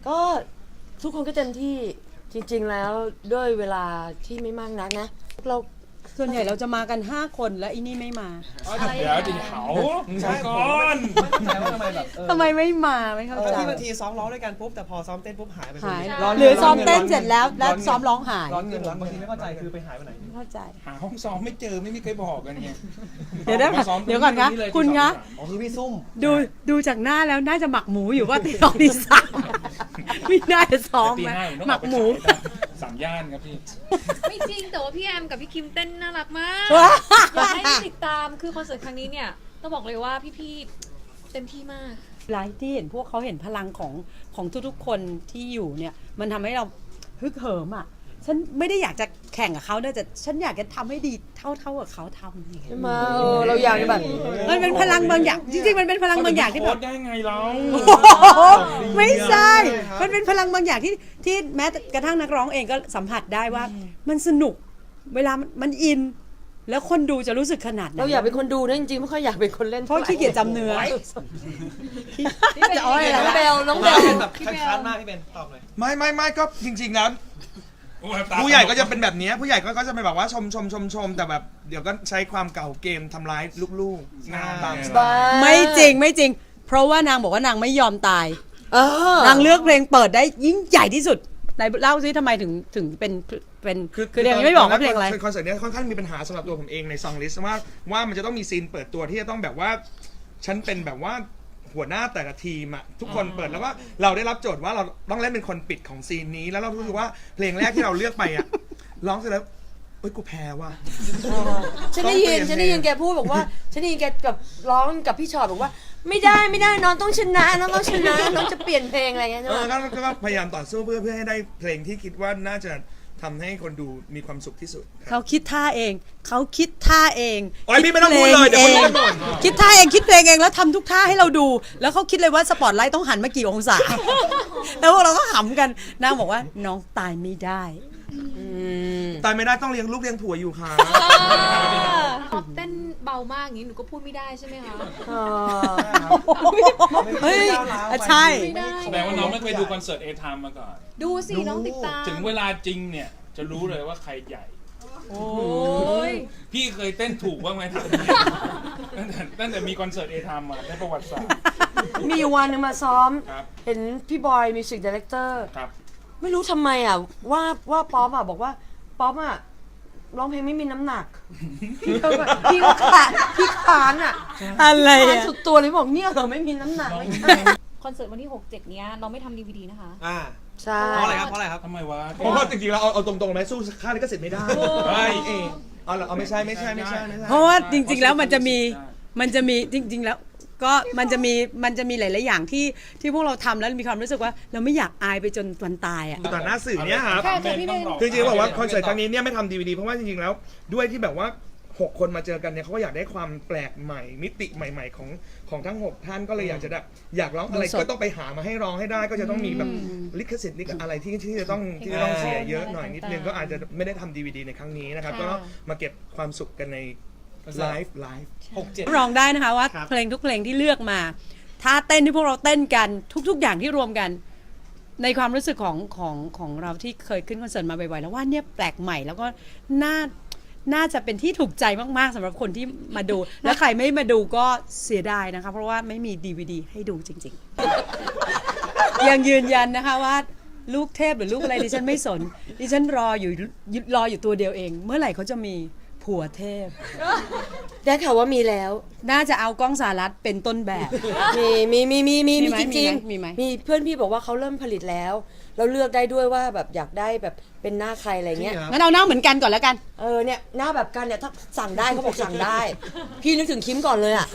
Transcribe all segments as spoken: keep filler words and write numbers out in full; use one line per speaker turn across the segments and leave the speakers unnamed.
ก็ทุกคนก็เต็มที่จริงๆแล้วด้วยเวลาที่ไม่มากนักนะเรา
ส่วนใหญ่เราจะมากันห้าคนแล้วอีนี่ไม่มา
เดี๋ยวดิเขาใช่ก่อน
ไม่เข้าใจว่าทำไมแบบเออ
ทำไมไม่มาไม่เข้าใจ
ที่บางทีซ้อมร้องด้วยกันปุ๊บแต่พอซ้อมเต้นปุ๊บหายไป
หาย
ร้น
หรือซ้อมเต้นเสร็จแล้วแล้วซ้อมร้องหาย
ร้อนเงินร้อนบางทีไม่เข้าใจคือไปหายไปไหน
ไม่เข้าใจ
หาห้องซ้อมไม่เจอไม่มีใครบอกกันไง
เดี๋ยวได้
มาซ้อม
เดี๋ยวก่อนคะ
ที่เลย
คุณคะ
อ๋อคือพี่ซุ่ม
ดูดูจากหน้าแล้วน่าจะหมักหมูอยู่ว่าตีสองตีสามไม่น่าจะซ้อม
ตี
ไหม
ห้าผมต้อง
ห
อ
มั
อก
ก
ไป
หมู
ขายสามย่านครับพี่
ไม่จริงแต่ว่าพี่แอมกับพี่คิมเต้นน่ารักมาก
ว้า
อยากให้ได้ติดตามคือคอนเสิร์ตครั้งนี้เนี่ยต้องบอกเลยว่าพี่ๆเต็มที่มาก
ไลฟ์ที่เห็นพวกเขาเห็นพลังของของทุกๆคนที่อยู่เนี่ยมันทำให้เราฮึกเหิมอ่ะฉันไม่ได้อยากจะแข่งกับเขานะแต่ฉันอยากจะทำให้ดีเท่าเท่ากับเขาทำอย่างเงี้ย
มาเออเราอยากจะแบบ
มันเป็นพลังบางอย่างจริงๆมันเป็นพลังบางอย่างที่แบบ
โค้ชได้ไงเรา
โอ้โหไม่ใช่ มันเป็นพลังบางอย่างที่ที่แม้กระทั่งนักร้องเองก็สัมผัสได้ว่า มันสนุกเวลามันมันอิน แล้วคนดูจะรู้สึกขนาดไหน
เราอยากเป็นคนดูนะจริงๆไม่ค่อยอยากเป็นคนเล่น
เพราะขี้เกียจจำเนื้อ จะเอาอะไร
น้อง
ล่ะ
เบลน้องเบ
มา
ล
เป็นแบบคันๆมากพี่เบนตอบเลย
ไม่ไม่ไม่ก็จริงๆแล้ว
โอ้ยตา
ผู้ใหญ่ก็จะเป็นแบบเนี้ยผู้ใหญ่ก็ก็จะไปแบบว่าชมชมชมชมแต่แบบเดี๋ยวก็ใช้ความเก่าเกมทำร้ายลูกๆงานบางสไต
บ้า
ล์
ไม่จริงไม่จริง เพราะว่านางบอกว่านางไม่ยอมตาย
เออน
างเลือกเพลงเปิดได้ยิ่งใหญ่ที่สุดไหนเล่าซิทำไมถึงถึงเป็นเป็นคือเดี๋ยวนี้ไม่บอกว่าเพลงอะไร
คอนเสิร์ตเนี้ยค่อนข้างมีปัญหาสำหรับตัวผมเองในซองลิสต์ว่าว่ามันจะต้องมีซีนเปิดตัวที่จะต้องแบบว่าฉันเป็นแบบว่าหัวหน้าแต่ละทีมอะทุกคนเปิดแล้วว่าเราได้รับโจทย์ว่าเราต้องเล่นเป็นคนปิดของซีนนี้แล้วเรารู้สึกว่าเพลงแรกที่เราเลือกไปอะร้องเสร็จแล้วเอ้ยกูแพ้ว่ะ
ฉันได้ยินฉันได้ยินแกพูดบอกว่าฉันได้ยินแกกับร้องกับพี่ชอตบอกว่า ไม่ได้ไม่ได้น้องต้องชนะน้องต้องชนะน้องจะเปลี่ยนเพลงอะไรเงี้ยใช่
เอ
ไหม
อก็ก็พยายามต่อสู้เพื่อเพื่อให้ได้เพลงที่คิดว่าน่าจะทำให้คนดูมีความสุขที่สุด
เขาคิดท่าเอง เขาคิดท่าเอง
โอ๊ยพี่ไม่ต้องพูดเลยเดี๋ยวคนรู้กันหมด
คิดท่าเองคิดเพลงเองแล้วทำทุกท่าให้เราดู แล้วเขาคิดเลยว่าสปอตไลท์ต้องหันมากี่องศา แล้วพวกเราก็ขำกันนางบอกว่าน้องตายไม่ได้
ตายไม่ได้ต้องเลี้ยงลูกเลี้ยงผัวอยู่ค่ะ
ป๊อปเต้นเบามากอย่างนี้หนูก็พูดไม่ได้ใช่ไหมคะ
เออ
เฮ้ยใช่
ไม่ได้
แสดงว่าน้องไม่เคยดูคอนเสิร์ตเอทามมาก่อน
ดูสิน้องติดตาม
ถึงเวลาจริงเนี่ยจะรู้เลยว่าใครใหญ่
โอ้ย
พี่เคยเต้นถูกบ้างไหมถามตั้งแต่ตั้งแต่มีคอนเสิร์ตเอทามมาในประวัติศาสตร์
มีอยู่วันหนึงมาซ้อม
ครับ
เห็นพี่บอยมิวสิกดีเลกเตอร์
ครับ
ไม่รู้ทำไมอ่ะว่าว่าป๊อปอ่ะบอกว่าป๊อปอ่ะร้องเพลงไม่มีน้ำหนัก พี่ก็แบบพี่ก็ขาดพี่ขานอ่ะ
อะไร
ขาน
อะ
สุดตัวเลยบอกเนี่ยเหรอไม่มีน้ำหนักไม่ใช่
คอนเสิร์ตวันที่หกเจ็ดเนี้ยเราไม่ทำดีวีดีนะคะ
อ่า
ใช่
เพราะอะไรครับเพราะอะไรครับ
ทำไมวะ
เพราะว่าจริงๆแล้วเอาเอาตรงๆไหมสู้ค่าลิขสิทธิ์ไม่ได้
เฮ้ย
เออเอาเหรอเอาไม่ใช่ไม่ใช่ไม่ใช่ไม่ใช่
เพราะว่าจริง ๆ แล้วมันจะมีมันจะมีจริง ๆ แล้วก็มันจะมีมันจะมีหลาย ๆ อย่างที่ที่พวกเราทำแล้วมีความรู้สึกว่าเราไม่อยากอายไปจนวันตายอ่ะ
ต่อหน้าสื่อเนี่ยครับ
ค่ะค่ะพี่เบน
คือจริงๆบอกว่าคอนเสิร์ตครั้งนี้เนี่ยไม่ทำดีวดีเพราะว่าจริงๆแล้วด้วยที่แบบว่าหกคนมาเจอกันเนี่ยเขาก็อยากได้ความแปลกใหม่มิติใหม่ ๆ ของของทั้งหกท่านก็เลยอยากจะแบบอยากร้องอะไร
สด
ก็ต้องไปหามาให้ร้องให้ได้ก็จะต้องมีแบบลิขสิทธิ์ลิขอะไรที่ที่จะต้องที่จะต้องเสียเยอะหน่อยนิดนึงก็อาจจะไม่ได้ทำดีวดีในครั้งนี้นะครับก็ต้องมาเก็บความสุขกันในไลฟ์ไลฟ์
หกเจ็ด
รองได้นะคะว่า
ครับ
เพลงทุกเพลงที่เลือกมาท่าเต้นที่พวกเราเต้นกันทุก ๆ อย่างที่รวมกัน ในความรู้สึกของของของเราที่เคยขึ้นคอนเสิร์ตมาบ่อยๆแล้วว่าเนี่ยแปลกใหม่แล้วก็น่าน่าจะเป็นที่ถูกใจมากๆสำหรับคนที่มาดู และใครไม่มาดูก็เสียดายนะคะเพราะว่าไม่มี ดี วี ดี ให้ดูจริงๆ ยังยืนยันนะคะว่าลูกเทพหรือลูกอะไรดิฉันไม่สนดิฉันรออยู่รออยู่ตัวเดียวเอง เมื่อไหร่เขาจะมีผัวเทพ
ได้ข่าวว่ามีแล้ว
น่าจะเอากล้องสารัตเป็นต้นแบบ
มีมีมีมีมี
มี
มี
ไหม
จริง
มีไหม
มีเพื่อนพี่บอกว่าเขาเริ่มผลิตแล้ว เราเลือกได้ด้วยว่าแบบอยากได้แบบเป็นหน้าใครอะไรเงี้ย
งั้นเอาหน้าเหมือนกันก่อนแล้วกัน
เออเนี่ยหน้าแบบกันเนี่ยถ้าสั่งได้เขาบอกสั่งได้ พี่นึกถึงคิมก่อนเลยอ่ะ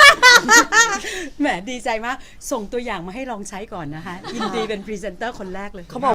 แหมดีใจมาก ส่งตัวอย่างมาให้ลองใช้ก่อนนะคะ ยินดีเป็นพรีเซนเตอร์คนแรกเลย
เขาบอก